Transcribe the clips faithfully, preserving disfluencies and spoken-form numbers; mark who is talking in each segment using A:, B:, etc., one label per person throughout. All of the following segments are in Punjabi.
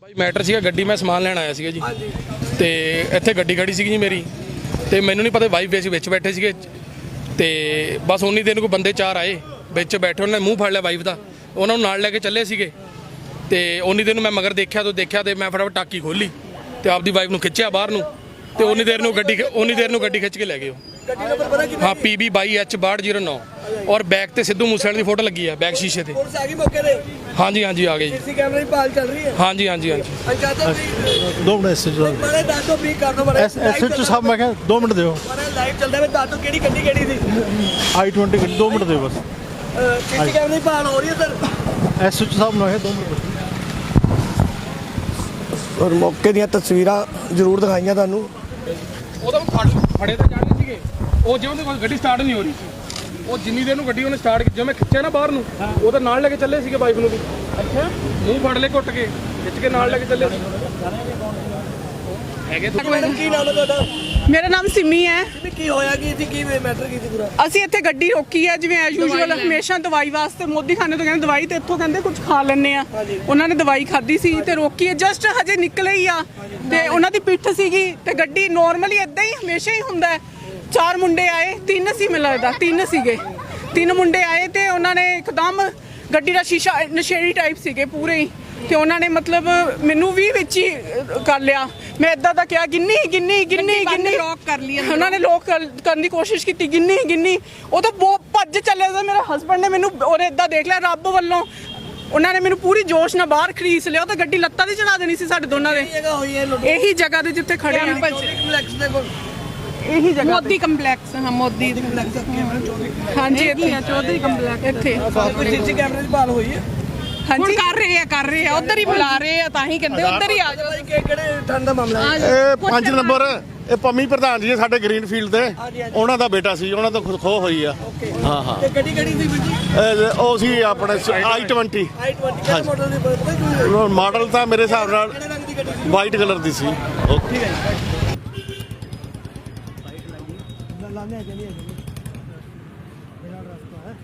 A: मैटर सीगा गड्डी मैं समान लैन आया सीगा जी ते इत्थे गड्डी खड़ी सीगी जी मेरी ते मैनूं नहीं पता वाइफ वे विच बैठे सीगे ते बस उन्नी देर कोई बंदे चार आए विच बैठे उन्होंने मूँह फड़ लिया वाइफ का उन्होंने नाल लैके चले सीगे ते उन्नी देर मैं मगर देखा तो देखा तो मैं फटाफट टाकी खोली तो आपकी वाइफ नूं खिच्चिया बाहर नूं ते उन्नी देर नूं गड्डी उन्नी देर नूं गड्डी खिच के लै गए। हाँ पी बी बाई एच बाहठ जीरो नौ और बैक ते सिद्धू मूसेवाले की फोटो लगी है बैक शीशे ते। हाँ जी हाँ जी आ गई हाँ जी हाँ जी हाँ जी
B: दो मिनट एस एच ओ साहब मैं क्या दो मिनट दो आई ट्वेंटी दो मिनट दो बस एस एच ओ साहब मैं दो मिनट
C: और मौके ਦੀਆਂ ਤਸਵੀਰਾਂ ਜ਼ਰੂਰ ਦਿਖਾਈਆਂ ਤੁਹਾਨੂੰ।
A: ਉਹਦਾ ਫੜੇ ਤੇ ਜਾਣੇ ਸੀਗੇ ਉਹ ਜਿਵੇਂ ਦੀ ਗੱਡੀ ਸਟਾਰਟ ਨਹੀਂ ਹੋ ਰਹੀ ਸੀ ਉਹ ਜਿੰਨੀ ਦੇਰ ਨੂੰ ਗੱਡੀ ਉਹਨੇ ਸਟਾਰਟ ਕੀਤੀ ਜਿਵੇਂ ਖਿੱਚਿਆ ਨਾ ਬਾਹਰ ਨੂੰ ਉਹਦਾ ਨਾਲ ਲੈ ਕੇ ਚੱਲੇ ਸੀਗੇ ਵਾਈਫ ਨੂੰ ਵੀ। ਅੱਛਾ ਮੂੰਹ ਫੜ ਲੈ ਘੁੱਟ ਕੇ ਖਿੱਚ ਕੇ ਨਾਲ ਲੈ ਕੇ ਚੱਲੇ ਸੀ ਹੈਗੇ।
C: ਮੈਡਮ ਕੀ ਨਾਮ ਹੈ ਤੁਹਾਡਾ?
D: ਮੇਰਾ ਨਾਮ ਸਿਮੀ ਹੈ।
C: ਕੀ ਹੋਇਆ ਕੀ ਸੀ ਕੀ ਮੈਟਰ ਕੀ ਸੀ ਪੂਰਾ?
D: ਅਸੀਂ ਇੱਥੇ ਗੱਡੀ ਰੋਕੀ ਹੈ ਜਿਵੇਂ ਐਸ ਯੂਜੂਅਲ ਹਮੇਸ਼ਾ ਦਵਾਈ ਵਾਸਤੇ ਮੋਦੀ ਖਾਨੇ ਤੋਂ ਕਹਿੰਦੇ ਦਵਾਈ ਤੇ ਇੱਥੋਂ ਕਹਿੰਦੇ ਕੁਝ ਖਾ ਲੈਣੇ ਆ ਉਹਨਾਂ ਨੇ ਦਵਾਈ ਖਾਧੀ ਸੀ ਤੇ ਰੋਕੀ ਹੈ ਜਸਟ ਹਜੇ ਨਿਕਲੇ ਹੀ ਆ ਤੇ ਉਹਨਾਂ ਦੀ ਪਿੱਠ ਸੀਗੀ ਤੇ ਗੱਡੀ ਨੋਰਮਲੀ ਇਦਾਂ ਹੀ ਹਮੇਸ਼ਾ ਹੀ ਹੁੰਦਾ ਚਾਰ ਮੁੰਡੇ ਆਏ ਤਿੰਨ ਸੀ ਮੈਨੂੰ ਲੱਗਦਾ ਤਿੰਨ ਸੀਗੇ ਤਿੰਨ ਮੁੰਡੇ ਆਏ ਤੇ ਉਹਨਾਂ ਨੇ ਇੱਕਦਮ ਗੱਡੀ ਦਾ ਸ਼ੀਸ਼ਾ ਨਸ਼ੇੜੀ ਟਾਈਪ ਸੀਗੇ ਪੂਰੇ ਹੀ ਤੇ ਉਹਨਾਂ ਨੇ ਮਤਲਬ ਮੈਨੂੰ ਵੀ ਵਿੱਚ ਹੀ ਕਰ ਲਿਆ ਮੈਂ ਇਦਾਂ ਦਾ ਕਿਹਾ ਗਿੰਨੀ ਗਿੰਨੀ ਗਿੰਨੀ ਗਿੰਨੀ ਲੋਕ ਕਰ ਲਈ ਉਹਨਾਂ ਨੇ ਲੋਕ ਕਰਨ ਦੀ ਕੋਸ਼ਿਸ਼ ਕੀਤੀ ਗਿੰਨੀ ਗਿੰਨੀ ਉਹ ਤਾਂ ਬਹੁਤ ਭੱਜ ਚੱਲੇ ਸੀ ਮੇਰੇ ਹਸਬੰਡ ਨੇ ਮੈਨੂੰ ਉਹਨੇ ਇਦਾਂ ਦੇਖ ਲਿਆ ਰੱਬ ਵੱਲੋਂ ਉਹਨਾਂ ਨੇ ਮੈਨੂੰ ਪੂਰੀ ਜੋਸ਼ ਨਾਲ ਬਾਹਰ ਖਰੀਸ ਲਿਆ ਉਹ ਤਾਂ ਗੱਡੀ ਲੱਤਾਂ ਦੀ ਚੜਾ ਦੇਣੀ ਸੀ ਸਾਡੇ ਦੋਨਾਂ ਦੇ ਇਹੀ ਜਗ੍ਹਾ ਤੇ ਜਿੱਥੇ ਖੜੇ ਆ ਇਹੀ ਜਗ੍ਹਾ ਮੋਦੀ ਕੰਪਲੈਕਸ ਹਾਂ ਮੋਦੀ ਕੰਪਲੈਕਸ ਹਾਂਜੀ ਇੱਥੇ ਚੌਧਰੀ ਕੰਪਲੈਕਸ ਇੱਥੇ
C: ਸੀਸੀ ਕੈਮਰੇ ਦੀ ਭਾਲ ਹੋਈ ਹੈ?
D: ਹਾਂਜੀ ਕਰ ਰਹੇ ਆ ਕਰ ਰਹੇ ਆ ਉਧਰ ਹੀ ਬੁਲਾ ਰਹੇ ਆ ਤਾਂ ਹੀ ਕਹਿੰਦੇ ਉਧਰ ਹੀ ਆ ਜਾਓ।
C: ਕਿਹੜੇ ਠੰਡ ਦਾ ਮਾਮਲਾ ਹੈ?
B: ਇਹ ਪੰਜ ਨੰਬਰ ਇਹ ਪੰਮੀ ਪ੍ਰਧਾਨ ਜੀ ਸਾਡੇ ਗ੍ਰੀਨ ਫੀਲਡ ਦੇ ਉਹਨਾਂ ਦਾ ਬੇਟਾ ਸੀ ਉਹਨਾਂ ਤੋਂ ਖੋ ਹੋਈ ਆ। ਹਾਂ ਹਾਂ
C: ਤੇ ਗੱਡੀ ਕਿਹੜੀ ਸੀ ਵੀਰ ਜੀ?
B: ਉਹ ਸੀ ਆਪਣੇ ਆਈ ਟਵੰਟੀ
C: ਆਈ ਟਵੰਟੀ ਕਿਹੜੇ ਮਾਡਲ ਦੀ ਪਤਾ ਕੀ
B: ਮਾਡਲ ਤਾਂ ਮੇਰੇ ਹਿਸਾਬ ਨਾਲ
C: ਕਿਹੜੇ ਰੰਗ ਦੀ ਗੱਡੀ ਸੀ?
B: ਵਾਈਟ ਕਲਰ ਦੀ ਸੀ। ਓਕੇ
C: ਲਾਣੇ ਆ ਜਲੀ ਮੇਰਾ ਰਸਤਾ ਹੈ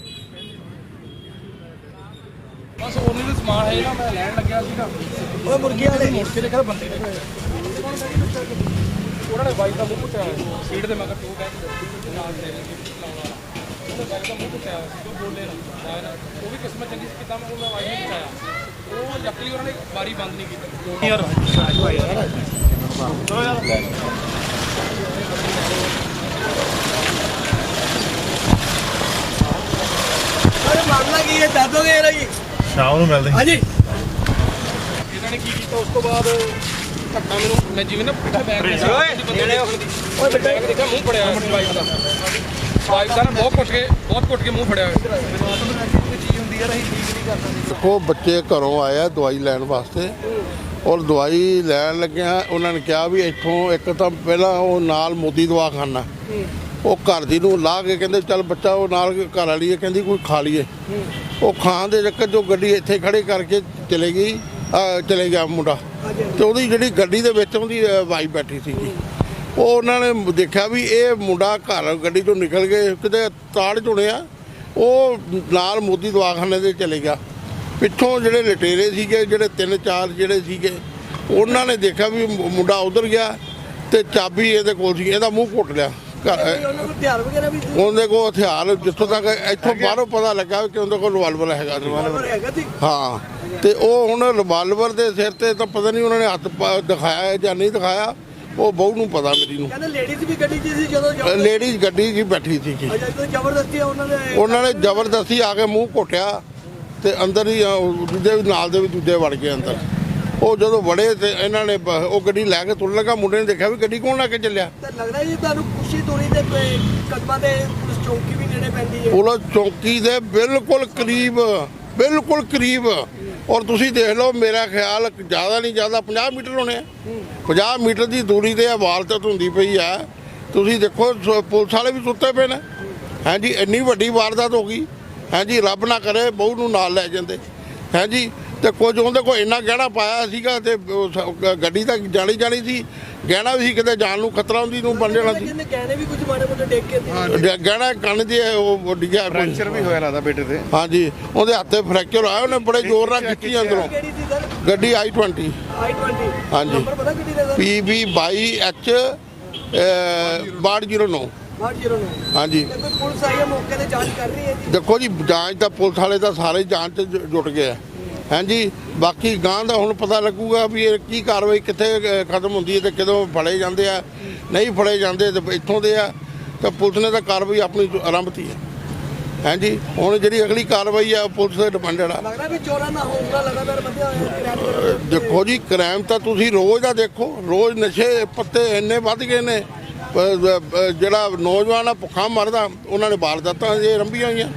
A: ਬਸ ਉਹਨੇ ਦਾ ਸਮਾਨ ਹੈ ਨਾ ਮੈਂ ਲੈਣ ਲੱਗਿਆ ਸੀਗਾ
C: ਓਏ ਮੁਰਗੀਆਂ ਵਾਲੇ
A: ਮੁੜ ਕੇ ਦੇਖਿਆ ਬੰਦੇ ਨੇ ਉਹਨਾਂ ਨੇ ਵਾਈਫ ਦਾ ਮੂੰਹ ਪੁੱਟਿਆ ਸੀਟ ਦੇ ਮਗਰ ਟੂ ਬੈਕ ਨਾਲ ਦੇ ਉਹਨੇ ਵਾਈਫ ਦਾ ਮੂੰਹ ਪੁੱਟਿਆ ਸੀ ਉਹ ਬੋਲੇ ਨਾ ਉਹ ਵੀ ਕਿਸਮਤ ਚੰਗੀ ਸੀ ਕਿਦਾਂ ਮੈਂ ਉਹਨਾਂ ਵਾਈਫ ਨੂੰ ਪੁੱਟਿਆ ਉਹ ਜੱਕਲੀ ਉਹਨਾਂ ਨੇ ਬਾਰੀ ਬੰਦ ਨਹੀਂ ਕੀਤੀ ਯਾਰ
C: ਅਰੇ ਮਾਮਲਾ ਕੀ ਹੈ ਦੱਸ ਦੋਗੇ ਯਾਰ ਜੀ?
B: ਸ਼ਾਮ ਨੂੰ ਮਿਲਦੇ
C: ਹਾਂਜੀ
A: ਇਹਨਾਂ ਨੇ ਕੀ ਕੀਤਾ ਉਸ ਤੋਂ ਬਾਅਦ ਧੱਕਾ ਮੈਨੂੰ ਮੈਂ ਜਿਵੇਂ ਨਾ ਪਿੱਛੇ ਬੈਗ ਦੇ ਓਏ ਬੇਟਾ ਦੇਖਿਆ ਮੂੰਹ ਫੜਿਆ ਹੋਇਆ ਵਾਈਫ ਦਾ ਵਾਈਫ ਦਾ ਬਹੁਤ ਕੁੱਟ ਕੇ ਬਹੁਤ ਕੁੱਟ ਕੇ ਮੂੰਹ ਫੜਿਆ ਹੋਇਆ
C: ਚੀਜ਼ ਹੁੰਦੀ ਯਾਰ ਅਸੀਂ ਠੀਕ ਨਹੀਂ ਕਰ ਸਕਦੇ।
E: ਦੇਖੋ ਬੱਚੇ ਘਰੋਂ ਆਏ ਆ ਦਵਾਈ ਲੈਣ ਵਾਸਤੇ ਔਰ ਦਵਾਈ ਲੈਣ ਲੱਗਿਆ ਉਹਨਾਂ ਨੇ ਕਿਹਾ ਵੀ ਇੱਥੋਂ ਇੱਕ ਤਾਂ ਪਹਿਲਾਂ ਉਹ ਨਾਲ ਮੋਦੀ ਦਵਾਖਾਨਾ ਉਹ ਘਰ ਦੀ ਨੂੰ ਲਾ ਕੇ ਕਹਿੰਦੇ ਚੱਲ ਬੱਚਾ ਉਹ ਨਾਲ ਘਰ ਵਾਲੀ ਹੈ ਕਹਿੰਦੀ ਕੋਈ ਖਾ ਲਈਏ ਉਹ ਖਾਣ ਦੇ ਚੱਕਰ 'ਚ ਉਹ ਗੱਡੀ ਇੱਥੇ ਖੜੇ ਕਰਕੇ ਚਲੇ ਗਈ ਚਲੇ ਗਿਆ ਮੁੰਡਾ ਤੇ ਉਹਦੀ ਜਿਹੜੀ ਗੱਡੀ ਦੇ ਵਿੱਚ ਉਹਦੀ ਵਾਈਫ ਬੈਠੀ ਸੀਗੀ ਉਹ ਉਹਨਾਂ ਨੇ ਦੇਖਿਆ ਵੀ ਇਹ ਮੁੰਡਾ ਘਰ ਗੱਡੀ ਤੋਂ ਨਿਕਲ ਕੇ ਕਿਤੇ ਤਾੜ ਚੁਣਿਆ ਉਹ ਨਾਲ ਮੋਦੀ ਦਵਾਖਾਨੇ ਦੇ ਚਲੇ ਗਿਆ ਪਿੱਛੋਂ ਜਿਹੜੇ ਲਟੇਰੇ ਸੀਗੇ ਜਿਹੜੇ ਤਿੰਨ ਚਾਰ ਜਿਹੜੇ ਸੀਗੇ ਉਹਨਾਂ ਨੇ ਦੇਖਿਆ ਵੀ ਮੁੰਡਾ ਉਧਰ ਗਿਆ ਤੇ ਚਾਬੀ ਇਹਦੇ ਕੋਲ ਸੀ ਇਹਦਾ ਮੂੰਹ ਘੁੱਟ ਲਿਆ।
C: ਹਥਿਆਰ ਵਗੈਰਾ ਵੀ
E: ਉਹਦੇ ਕੋਲ ਹਥਿਆਰ ਜਿੱਥੋਂ ਤੱਕ ਇੱਥੋਂ ਬਾਹਰੋਂ ਪਤਾ ਲੱਗਾ ਕਿ ਉਹਦੇ ਕੋਲ ਰਿਵਾਲਵਰ ਹੈਗਾ
C: ਹੈਗਾ ਸੀ।
E: ਹਾਂ ਤੇ ਉਹ ਹੁਣ ਰਿਵਾਲਵਰ ਦੇ ਸਿਰ ਤੇ ਤਾਂ ਪਤਾ ਨਹੀਂ ਉਹਨਾਂ ਨੇ ਹੱਥ ਦਿਖਾਇਆ ਜਾਂ ਨਹੀਂ ਦਿਖਾਇਆ ਉਹ ਬਹੂ ਨੂੰ ਪਤਾ ਮੇਰੀ ਨੂੰ।
C: ਕਹਿੰਦੇ ਲੇਡੀਜ਼ ਵੀ ਗੱਡੀ 'ਚ ਸੀ ਜਦੋਂ
E: ਲੇਡੀਜ਼ ਗੱਡੀ 'ਚ ਬੈਠੀ ਸੀ
C: ਜ਼ਬਰਦਸਤੀ ਉਹਨਾਂ ਨੇ
E: ਉਹਨਾਂ ਨੇ ਜ਼ਬਰਦਸਤੀ ਆ ਕੇ ਮੂੰਹ ਘੁੱਟਿਆ ਤੇ ਅੰਦਰ ਹੀ ਦੂਜੇ ਨਾਲ ਦੇ ਵੀ ਦੂਜੇ ਵੜ ਗਏ ਅੰਦਰ ਉਹ ਜਦੋਂ ਵੜੇ ਤੇ ਇਹਨਾਂ ਨੇ ਉਹ ਗੱਡੀ ਲੈ ਕੇ ਤੁਰਨ ਲੱਗਾ ਮੁੰਡੇ ਨੇ ਦੇਖਿਆ ਵੀ ਗੱਡੀ ਕੌਣ ਲੈ ਕੇ ਚੱਲਿਆ।
C: ਤਾਂ ਲੱਗਦਾ ਜੀ ਤੁਹਾਨੂੰ ਖੁਸ਼ੀ ਤੋਰੀ ਦੇ ਕਦਮਾਂ ਦੇ ਪੁਲਿਸ ਚੌਕੀ ਵੀ ਨੇੜੇ ਪੈਂਦੀ ਹੈ
E: ਪੁਲਿਸ ਚੌਕੀ ਦੇ ਬਿਲਕੁਲ ਕਰੀਬ ਬਿਲਕੁਲ ਕਰੀਬ ਔਰ ਤੁਸੀਂ ਦੇਖ ਲਓ ਮੇਰਾ ਖਿਆਲ ਜ਼ਿਆਦਾ ਨਹੀਂ ਜ਼ਿਆਦਾ ਪੰਜਾਹ ਮੀਟਰ ਹੋਣੇ ਆ ਪੰਜਾਹ ਮੀਟਰ ਦੀ ਦੂਰੀ ਤੇ ਵਾਰਦਾਤ ਹੁੰਦੀ ਪਈ ਆ ਤੁਸੀਂ ਦੇਖੋ ਪੁਲਿਸ ਵਾਲੇ ਵੀ ਸੁੱਤੇ ਪਏ ਨੇ। ਹਾਂਜੀ ਇੰਨੀ ਵੱਡੀ ਵਾਰਦਾਤ ਹੋ ਗਈ ਹਾਂਜੀ ਰੱਬ ਨਾ ਕਰੇ ਬਹੂ ਨੂੰ ਨਾਲ ਲੈ ਜਾਂਦੇ ਹਾਂਜੀ ਤੇ ਕੁਝ ਉਹਦੇ ਕੋਲ ਇੰਨਾ ਗਹਿਣਾ ਪਾਇਆ ਸੀਗਾ ਤੇ ਗੱਡੀ ਤਾਂ ਜਾਣੀ ਜਾਣੀ ਸੀ ਗਹਿਣਾ ਵੀ ਸੀ, ਕਿਤੇ ਜਾਨ ਨੂੰ ਖਤਰਾ ਹੁੰਦੀ ਨੂੰ ਬਣ ਜਾਣਾ ਸੀ।
C: ਕਹਿੰਦੇ ਗਹਿਣੇ ਵੀ ਕੁਝ ਮਾੜੇ ਮੋਟੇ ਡੇਕ ਕੇ ਤੇ
E: ਗ- ਗਹਿਣਾ ਕੰਨ ਦੀ ਉਹ ਡਿੱਗਿਆ
B: ਫ੍ਰੈਕਚਰ ਵੀ ਹੋਇਆ ਲੱਗਦਾ ਬੇਟੇ ਤੇ।
E: ਹਾਂਜੀ, ਉਹਦੇ ਹੱਥੇ ਫ੍ਰੈਕਚਰ ਆਇਆ, ਉਹਨੇ ਬੜੇ ਜ਼ੋਰ ਨਾਲ ਖਿੱਚੀ ਅੰਦਰੋਂ
C: ਕਿਹੜੀ ਸੀ ਸਰ
E: ਗੱਡੀ ਆਈ ਟਵੰਟੀ
C: ਆਈ ਟਵੰਟੀ
E: ਹਾਂਜੀ।
C: ਨੰਬਰ ਪਤਾ ਕਿਹੜੀ ਦਾ ਸਰ
E: ਪੀ ਬੀ ਬਾਈ ਐਚ ਬਾਹਠ ਜ਼ੀਰੋ ਨੌ
C: ਬਾਹਠ ਜ਼ੀਰੋ ਨੌ
E: ਹਾਂਜੀ।
C: ਤੇ ਕੋਈ ਪੁਲਿਸ ਆਈ ਹੈ ਮੌਕੇ ਤੇ ਜਾਂਚ ਕਰ ਰਹੀ ਹੈ ਜੀ
E: ਦੇਖੋ ਜੀ, ਜਾਂਚ ਤਾਂ ਪੁਲਿਸ ਵਾਲੇ ਤਾਂ ਸਾਰੇ ਜਾਂਚ 'ਚ ਜੁ- ਜੁਟ ਗਏ ਆ ਹਾਂਜੀ। ਬਾਕੀ ਗਾਂ ਦਾ ਹੁਣ ਪਤਾ ਲੱਗੂਗਾ ਵੀ ਇਹ ਕੀ ਕਾਰਵਾਈ ਕਿੱਥੇ ਅ, ਖਤਮ ਹੁੰਦੀ ਹੈ ਤੇ ਕਦੋਂ ਫੜੇ ਜਾਂਦੇ ਆ, ਨਹੀਂ ਫੜੇ ਜਾਂਦੇ ਤੇ ਇੱਥੋਂ ਦੇ ਆ, ਤਾਂ ਪੁਲਿਸ ਨੇ ਤਾਂ ਕਾਰਵਾਈ ਆਪਣੀ ਆਰੰਭਤੀ ਹੈ ਹਾਂਜੀ। ਹੁਣ ਜਿਹੜੀ ਅਗਲੀ ਕਾਰਵਾਈ ਆ ਉਹ ਪੁਲਿਸ ਤੇ ਡਿਪੈਂਡਡ ਆ।
C: ਲੱਗਦਾ ਵੀ ਚੋਰਾਂ ਦਾ ਹੌਸਲਾ ਲਗਾਤਾਰ ਵਧਿਆ ਹੋਇਆ ਹੈ ਕਿਰਾਏ ਤੇ।
E: ਦੇਖੋ ਜੀ, ਕ੍ਰਾਈਮ ਤਾਂ ਤੁਸੀਂ ਰੋਜ਼ ਦਾ ਦੇਖੋ, ਰੋਜ਼ ਨਸ਼ੇ ਪੱਤੇ ਇੰਨੇ ਵੱਧ ਗਏ ਨੇ। ਪ- ਪ- ਜਿਹੜਾ ਨੌਜਵਾਨ ਆ ਭੁੱਖਾ ਮਰਦਾ, ਉਹਨਾਂ ਨੇ ਵਾਰਦਾਤਾਂ ਜੇ ਰੰਭੀਆਂ ਹੋਈਆਂ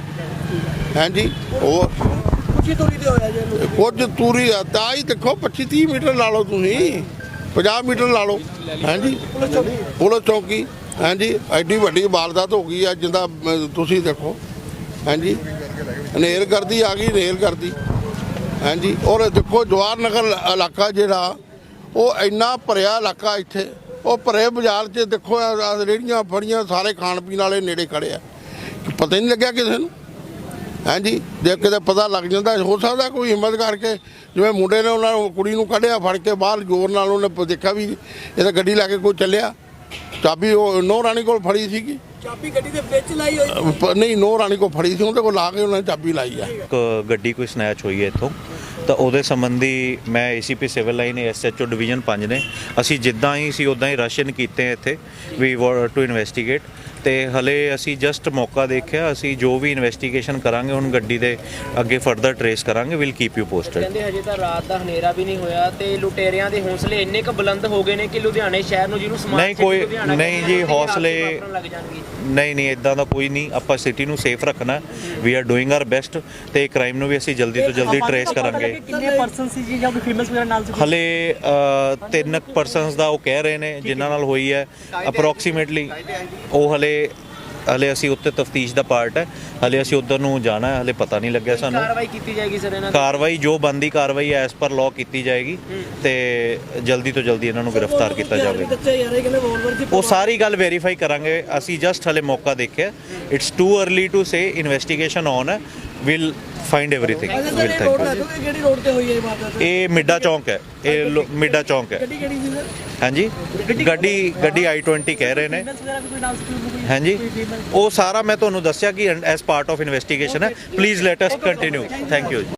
E: ਹਾਂਜੀ। ਉਹ
C: ਕੁਛੀ ਤੋਰੀ ਤੇ ਹੋਇਆ ਜੀ ਇਹਨੂੰ।
E: ਕੁਝ ਤੂਰੀ ਆ ਤਾਂ ਹੀ ਦੇਖੋ ਪੱਚੀ ਤੀਹ ਮੀਟਰ ਲਾ ਲਓ, ਤੁਸੀਂ ਪੰਜਾਹ ਮੀਟਰ ਲਾ ਲਓ ਹਾਂਜੀ। ਪੁਲਿਸ ਚੌਕੀ ਹਾਂਜੀ, ਐਡੀ ਵੱਡੀ ਵਾਰਦਾਤ ਹੋ ਗਈ ਆ ਜਿੰਦਾ ਅਮ, ਤੁਸੀਂ ਦੇਖੋ ਹਾਂਜੀ। ਹਨੇਰ ਕਰਦੀ ਆ ਗਈ, ਹਨੇਰ ਕਰਦੀ ਹਾਂਜੀ। ਔਰ ਦੇਖੋ ਜਵਾਹਰ ਨਗਰ ਇਲਾਕਾ ਜਿਹੜਾ ਉਹ ਇੰਨਾ ਭਰਿਆ ਇਲਾਕਾ, ਇੱਥੇ ਉਹ ਭਰੇ ਬਾਜ਼ਾਰ 'ਚ ਦੇਖੋ ਆਹ- ਆਹ ਰੇਹੜੀਆਂ ਫੜੀਆਂ, ਸਾਰੇ ਖਾਣ ਪੀਣ ਵਾਲੇ ਨੇੜੇ ਖੜੇ ਆ, ਪਤਾ ਹੀ ਨਹੀਂ ਲੱਗਿਆ ਕਿਸੇ ਨੂੰ ਹਾਂਜੀ। ਜੇ ਕਿਤੇ ਪਤਾ ਲੱਗ ਜਾਂਦਾ, ਹੋ ਸਕਦਾ ਕੋਈ ਹਿੰਮਤ ਕਰਕੇ, ਜਿਵੇਂ ਮੁੰਡੇ ਨੇ ਉਹਨਾਂ ਨੂੰ ਕੁੜੀ ਨੂੰ ਕੱਢਿਆ ਫੜ ਕੇ ਬਾਹਰ, ਜ਼ੋਰ ਨਾਲ ਉਹਨੇ ਪ- ਦੇਖਿਆ ਵੀ ਇਹ ਤਾਂ ਗੱਡੀ ਲੈ ਕੇ ਕੋਈ ਚੱਲਿਆ, ਚਾਬੀ ਉਹ ਨੋ ਰਾਣੀ ਕੋਲ ਫੜੀ ਸੀਗੀ।
C: ਚਾਬੀ ਗੱਡੀ ਦੇ ਵਿੱਚ ਲਾਈ ਹੋਈ ਸੀ।
E: ਪ- ਨਹੀਂ, ਨੋ ਰਾਣੀ ਕੋਲ ਫੜੀ ਸੀ, ਉਹਦੇ ਕੋਲ ਲਾ ਕੇ ਉਹਨਾਂ ਨੇ ਚਾਬੀ ਲਾਈ ਆ।
F: ਇੱਕ ਗੱਡੀ ਕੋਈ ਸਨੈਚ ਹੋਈ ਹੈ ਇੱਥੋਂ, ਤਾਂ ਉਹਦੇ ਸੰਬੰਧੀ ਮੈਂ ACP civil line SHO division ਪੰਜ ਨੇ, ਅਸੀਂ ਜਿੱਦਾਂ ਹੀ ਸੀ ਉਦਾਂ ਹੀ ਰਸ਼ਨ ਕੀਤੇ ਇੱਥੇ ਵੀ ਟੂ ਇਨਵੈਸਟੀਗੇਟ। ਤੇ ਹਲੇ ਅਸੀਂ ਜਸਟ ਮੌਕਾ ਦੇਖਿਆ, ਅਸੀਂ ਜੋ ਵੀ ਇਨਵੈਸਟੀਗੇਸ਼ਨ ਕਰਾਂਗੇ ਹੁਣ ਗੱਡੀ ਦੇ ਅੱਗੇ ਫਰਦਰ ਟਰੇਸ ਕਰਾਂਗੇ, ਵਿਲ ਕੀਪ ਯੂ ਪੋਸਟਡ।
G: ਕਹਿੰਦੇ ਹਜੇ ਤਾਂ ਰਾਤ ਦਾ ਹਨੇਰਾ ਵੀ ਨਹੀਂ ਹੋਇਆ ਤੇ ਲੁਟੇਰਿਆਂ ਦੇ ਹੌਸਲੇ ਇੰਨੇ ਕੁ ਬੁਲੰਦ ਹੋ ਗਏ ਨੇ ਕਿ ਲੁਧਿਆਣੇ ਸ਼ਹਿਰ ਨੂੰ ਜਿਹਨੂੰ ਸਮਾਰਟ
F: ਨਹੀਂ,
G: ਸਿਟੀ
F: ਕੋਈ-
G: ਲੁਧਿਆਣਾ
F: ਨਹੀਂ
G: ਕਹਿੰਦੇ
F: ਜੀ,
G: ਨੇ, ਰਾਤ ਨੂੰ
F: ਹੌਸਲੇ-
G: ਵਾਪਰਨ ਲੱਗ ਜਾਣਗੇ।
F: ਨਹੀਂ ਨਹੀਂ, ਇਦਾਂ ਦਾ ਕੋਈ ਨਹੀਂ, ਆਪਾਂ ਸਿਟੀ ਨੂੰ ਸੇਫ ਰੱਖਣਾ, we are doing our best, ਤੇ ਕ੍ਰਾਈਮ ਨੂੰ ਵੀ ਅਸੀਂ ਜਲਦੀ ਤੋਂ ਜਲਦੀ ਟਰੇਸ ਕਰਾਂਗੇ।
H: ਕਿੰਨੇ ਪਰਸਨ ਸੀ ਜੀ ਜਾਂ ਕੋਈ ਫੇਮਸ ਵਗੈਰਾ ਨਾਲ ਸੀ?
F: ਹਲੇ ਅ, ਤਿੰਨ ਪਰਸਨਸ ਦਾ ਉਹ ਕਹਿ ਰਹੇ ਨੇ ਜਿਨ੍ਹਾਂ ਨਾਲ ਹੋਈ ਹੈ ਅਪਰੋਕਸੀਮੇਟਲੀ। ਉਹ ਹਲੇ ਹਲੇ ਅਸੀਂ ਉੱਤੇ ਤਫਤੀਸ਼ ਦਾ ਪਾਰਟ ਹੈ, ਹਲੇ ਅਸੀਂ ਉੱਧਰ ਨੂੰ ਜਾਣਾ ਹੈ, ਹਲੇ ਪਤਾ ਨਹੀਂ ਲੱਗਿਆ ਸਾਨੂੰ।
G: ਕਾਰਵਾਈ ਕੀਤੀ ਜਾਏਗੀ ਸਰ ਇਹਨਾਂ ਦੀ?
F: ਕਾਰਵਾਈ ਜੋ ਬੰਦੀ ਕਾਰਵਾਈ ਐਸ ਪਰ ਲਾਅ ਕੀਤੀ ਜਾਏਗੀ ਤੇ ਜਲਦੀ ਤੋਂ ਜਲਦੀ ਇਹਨਾਂ ਨੂੰ ਗ੍ਰਿਫਤਾਰ ਕੀਤਾ ਜਾਵੇਗਾ।
C: ਬੱਚੇ ਯਾਰ ਇਹ ਕਹਿੰਦੇ ਵੋਲਵਰ ਦੀ
F: ਉਹ ਸਾਰੀ ਗੱਲ ਵੈਰੀਫਾਈ ਕਰਾਂਗੇ, ਅਸੀਂ ਜਸਟ ਹਲੇ ਮੌਕਾ ਦੇਖਿਆ। It's too early to say, investigation on ਹੈ, ਵਿਲ ਫਾਈਂਡ ਐਵਰੀਥਿੰਗ।
C: ਅੱਛਾ ਸਰ,
F: ਵਿਲ
C: ਇਹ ਰੋਡ
F: ਥੈਂਕ
C: ਦੱਸੋ ਕਿ ਕਿਹੜੀ ਰੋਡ ਤੇ ਹੋਈ ਹੈ ਇਹ ਵਾਰਦਾਤ?
F: ਇਹ ਮਿੱਡਾ ਚੌਂਕ ਹੈ, ਇਹ ਲੋ- ਮਿੱਡਾ ਚੌਂਕ ਹੈ
C: ਗੱਡੀ ਕਿਹੜੀ ਸੀ ਸਰ?
F: ਹਾਂਜੀ। ਗੱਡੀ ਗੱਡੀ ਆਈ ਟਵੰਟੀ ਕਹਿ ਰਹੇ ਨੇ
H: ਫੇਮਸ ਵਗੈਰਾ ਵੀ ਕੋਈ ਨਾਲ ਸੀ? ਕੋਈ
F: ਹਾਂਜੀ। ਉਹ ਸਾਰਾ ਮੈਂ ਤੁਹਾਨੂੰ ਦੱਸਿਆ ਕਿ ਐਸ ਪਾਰਟ ਆਫ ਇਨਵੈਸਟੀਗੇਸ਼ਨ ਹੈ। Please let us continue. Thank you ਜੀ।